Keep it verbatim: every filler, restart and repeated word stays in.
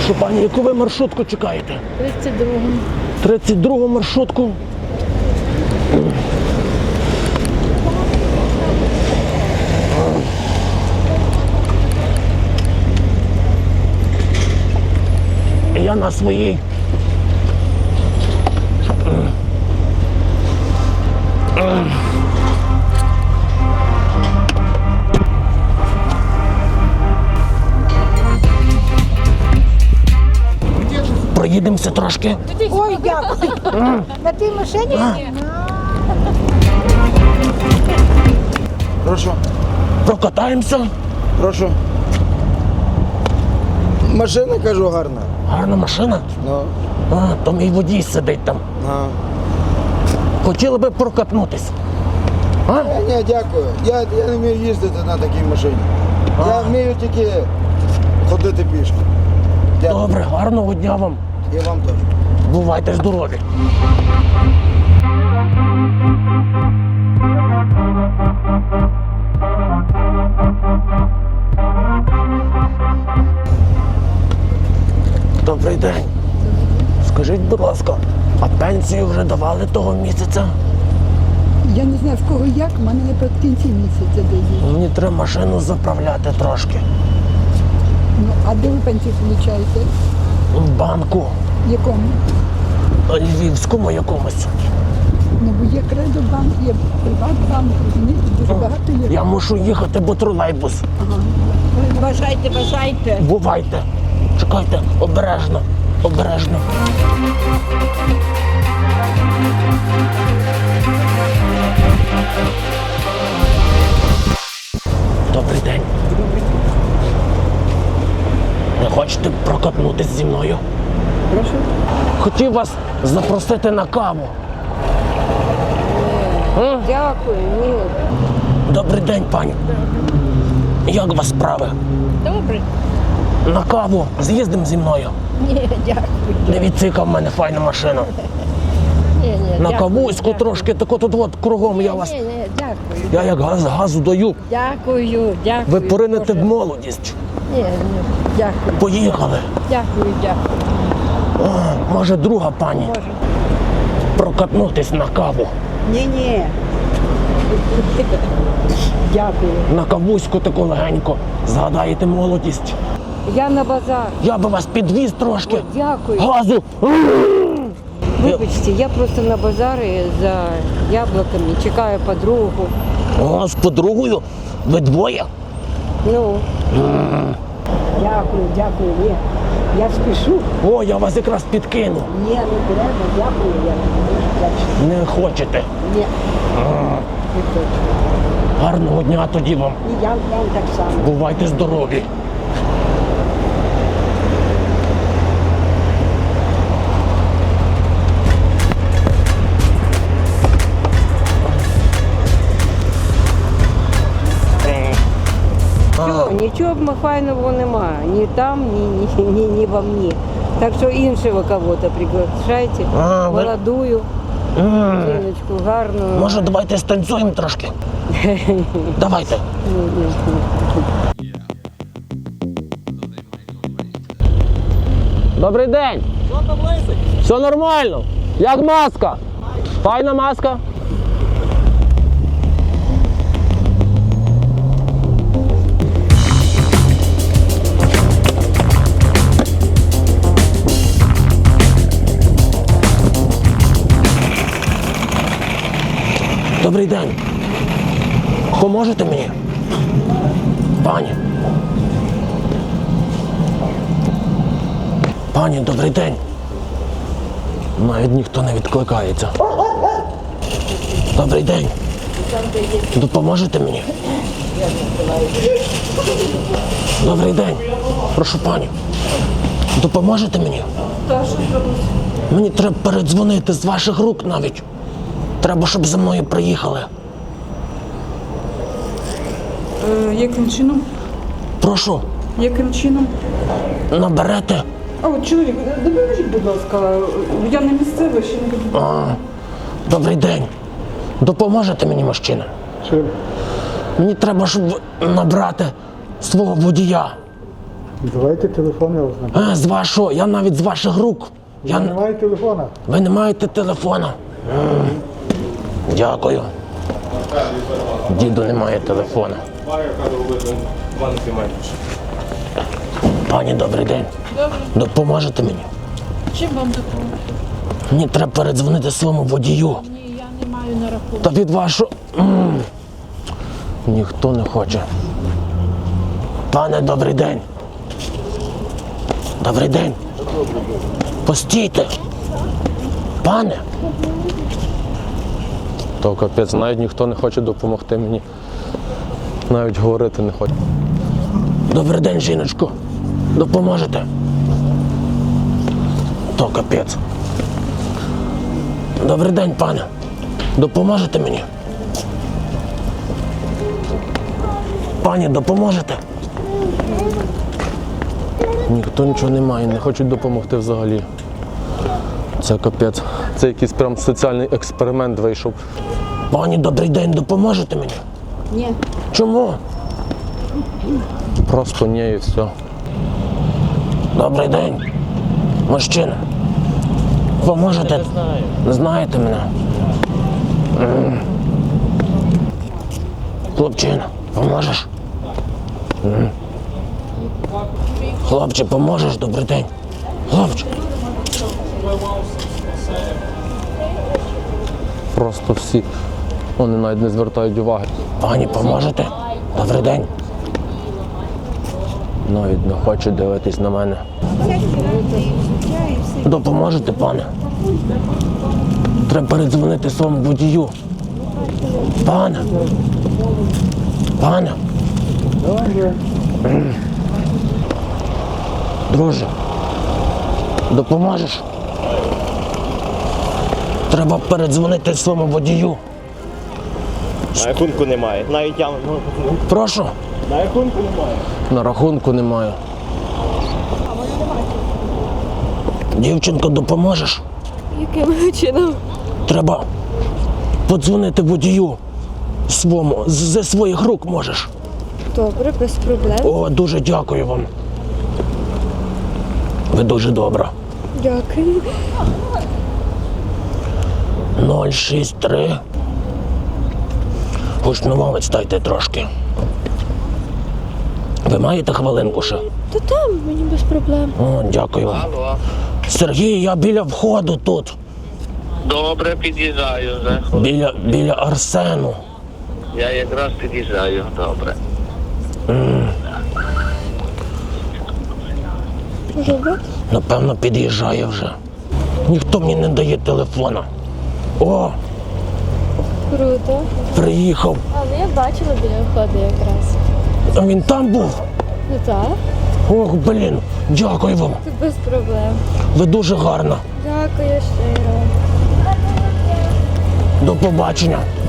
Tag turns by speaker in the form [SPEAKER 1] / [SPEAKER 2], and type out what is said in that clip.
[SPEAKER 1] Прошу пані, яку ви маршрутку чекаєте?
[SPEAKER 2] тридцять другу.
[SPEAKER 1] тридцять другу маршрутку. Я на своїй. Проїдемося трошки.
[SPEAKER 3] Ой, дякую. На тій машині?
[SPEAKER 4] Прошу,
[SPEAKER 1] Прокатаємося.
[SPEAKER 4] прошу. Машина, кажу, гарна.
[SPEAKER 1] Гарна машина.
[SPEAKER 4] Ну,
[SPEAKER 1] А, то мій водій сидить там.
[SPEAKER 4] а.
[SPEAKER 1] Хотіли би прокатнутись. А?
[SPEAKER 4] Е, Ні, дякую. Я, я не вмію їздити на такій машині. Я вмію тільки ходити пішки. Дякую.
[SPEAKER 1] Добре, гарного дня вам.
[SPEAKER 4] І вам теж.
[SPEAKER 1] Бувайте здорові. Добрий день. Скажіть, будь ласка, а пенсію вже давали того місяця?
[SPEAKER 3] Я не знаю, в кого як, в мене не в кінці місяця дають.
[SPEAKER 1] Мені треба машину заправляти трошки.
[SPEAKER 3] Ну, а де ви пенсію получаєте?
[SPEAKER 1] В банку.
[SPEAKER 3] Якому?
[SPEAKER 1] Львівському якомусь.
[SPEAKER 3] Ну, бо є Кредобанк, є Приватбанк, розумієте, дуже багато є.
[SPEAKER 1] Я мушу їхати, бо тролейбус.
[SPEAKER 3] Бажайте, бажайте.
[SPEAKER 1] Бувайте. Чекайте, обережно, обережно. Добрий день. Не хочете прокатнутись зі мною?
[SPEAKER 3] Прошу.
[SPEAKER 1] Хотів вас запросити на каву. М?
[SPEAKER 3] Дякую, ні.
[SPEAKER 1] Добрий день, пані. Як у вас справи?
[SPEAKER 2] Добре.
[SPEAKER 1] На каву з'їздимо зі мною.
[SPEAKER 2] Ні, дякую.
[SPEAKER 1] Дивіться, в мене файна машина.
[SPEAKER 2] Ні, ні,
[SPEAKER 1] На
[SPEAKER 2] дякую,
[SPEAKER 1] кавуську
[SPEAKER 2] дякую.
[SPEAKER 1] трошки, так от от кругом я вас.
[SPEAKER 2] Ні, ні, дякую.
[SPEAKER 1] Я як газ газу даю.
[SPEAKER 2] Дякую, дякую.
[SPEAKER 1] Ви поринете
[SPEAKER 2] Боже.
[SPEAKER 1] в молодість.
[SPEAKER 2] Ні, ні, дякую.
[SPEAKER 1] Поїхали.
[SPEAKER 2] Дякую, дякую.
[SPEAKER 1] О, може, друга пані.
[SPEAKER 2] Може.
[SPEAKER 1] Прокатнутись на каву.
[SPEAKER 3] Ні-ні. Дякую.
[SPEAKER 1] На кавуську таку легенько. Згадаєте молодість.
[SPEAKER 3] Я на базар.
[SPEAKER 1] Я би вас підвіз трошки.
[SPEAKER 3] Дякую.
[SPEAKER 1] Газу.
[SPEAKER 3] Вибачте, я просто на базарі за яблуками чекаю подругу.
[SPEAKER 1] О, з подругою? Ви двоє?
[SPEAKER 3] Ну. Дякую, дякую. Ні. Я спішу.
[SPEAKER 1] О, я вас якраз підкину.
[SPEAKER 3] Ні, не треба, дякую. Я не
[SPEAKER 1] Не хочете.
[SPEAKER 3] Ні. Не хочу.
[SPEAKER 1] Гарного дня тоді вам.
[SPEAKER 3] І я вам так само.
[SPEAKER 1] Бувайте здорові.
[SPEAKER 3] Нічого, нічого махайного немає. Ні там, ні, ні, ні, ні во мені. Так що іншого кого-то приглашайте.
[SPEAKER 1] А, ви-
[SPEAKER 3] Молодую,
[SPEAKER 1] М,
[SPEAKER 3] жіночку, гарну.
[SPEAKER 1] Може, давайте станцюємо трошки? Давайте. Добрий день. Що там лисить? Все нормально. Як маска? Файна маска? Добрий день. Поможете мені? Пані. Пані, добрий день. Навіть ніхто не відкликається. Добрий день. Допоможете мені? Добрий день. Прошу, пані. Допоможете мені? Мені треба передзвонити з ваших рук навіть. Треба, щоб за мною приїхали.
[SPEAKER 5] Е, яким чином?
[SPEAKER 1] Прошу,
[SPEAKER 5] Яким чином?
[SPEAKER 1] наберете.
[SPEAKER 5] А от чоловік, допоможіть, будь ласка, я не місцева, ще не буду.
[SPEAKER 1] А, добрий день. Допоможете мені, мужчина? Мені треба, щоб набрати свого водія.
[SPEAKER 6] Давайте телефон, я вас наберу.
[SPEAKER 1] А, з вашого, я навіть з ваших рук. Я... н-
[SPEAKER 6] Немає телефона.
[SPEAKER 1] Ви не маєте телефона? М. Дякую. Діду немає телефона. Пані, добрий день.
[SPEAKER 2] Добре.
[SPEAKER 1] Допоможете мені?
[SPEAKER 2] Чим вам допомогти?
[SPEAKER 1] Мені треба передзвонити своєму водію.
[SPEAKER 2] Ні, я не маю на рахунку.
[SPEAKER 1] Та від вашого... М. Ніхто не хоче. Пане, добрий день. Добрий день. Постійте. Пане. То капець, навіть ніхто не хоче допомогти мені. Навіть говорити не хоче. Добрий день, жіночко. Допоможете? То капець. Добрий день, пане. Допоможете мені? Пані, допоможете? Ніхто нічого не має, не хочуть допомогти взагалі. Це капець. Це якийсь прям соціальний експеримент вийшов. Пані, добрий день, допоможете мені?
[SPEAKER 2] Ні.
[SPEAKER 1] Чому? Просто ні і все. Добрий день. Мужчина. Поможете? Не знаю. Не знаєте мене? М. Хлопчина, поможеш? М. Хлопче, поможеш? Добрий день. Хлопче. Просто всі. Вони навіть не звертають уваги. Пані, поможете? Добрий день. Навіть не хоче дивитись на мене. Допоможете, пане? Треба передзвонити своєму водію. Пане. Пане. М. Друже, допоможеш? Треба передзвонити своєму водію.
[SPEAKER 7] На рахунку немає. Навіть я ну,
[SPEAKER 1] Прошу.
[SPEAKER 7] на рахунку немає.
[SPEAKER 1] На рахунку немає. Дівчинко, допоможеш?
[SPEAKER 8] Яким чином?
[SPEAKER 1] Треба подзвонити водію своєму. З- Зі своїх рук можеш.
[SPEAKER 8] Добре, без проблем.
[SPEAKER 1] О, дуже дякую вам. Ви дуже добра.
[SPEAKER 8] Дякую.
[SPEAKER 1] нуль шість три. Гучномовець дайте трошки. Ви маєте хвилинку ще?
[SPEAKER 8] Та там мені без проблем.
[SPEAKER 1] О, дякую вам.
[SPEAKER 9] Алло.
[SPEAKER 1] Сергій, я біля входу тут.
[SPEAKER 9] Добре, під'їжджаю вже.
[SPEAKER 1] Біля, біля Арсену.
[SPEAKER 9] Я якраз під'їжджаю, добре.
[SPEAKER 8] Може бути?
[SPEAKER 1] Напевно, під'їжджає вже. Ніхто мені не дає телефона. О,
[SPEAKER 8] Круто.
[SPEAKER 1] приїхав.
[SPEAKER 8] Але я бачила біля входу якраз.
[SPEAKER 1] А він там був.
[SPEAKER 8] Ну так,
[SPEAKER 1] Ох, блін, дякую вам.
[SPEAKER 8] це без проблем.
[SPEAKER 1] Ви дуже гарна.
[SPEAKER 8] Дякую щиро.
[SPEAKER 1] До побачення.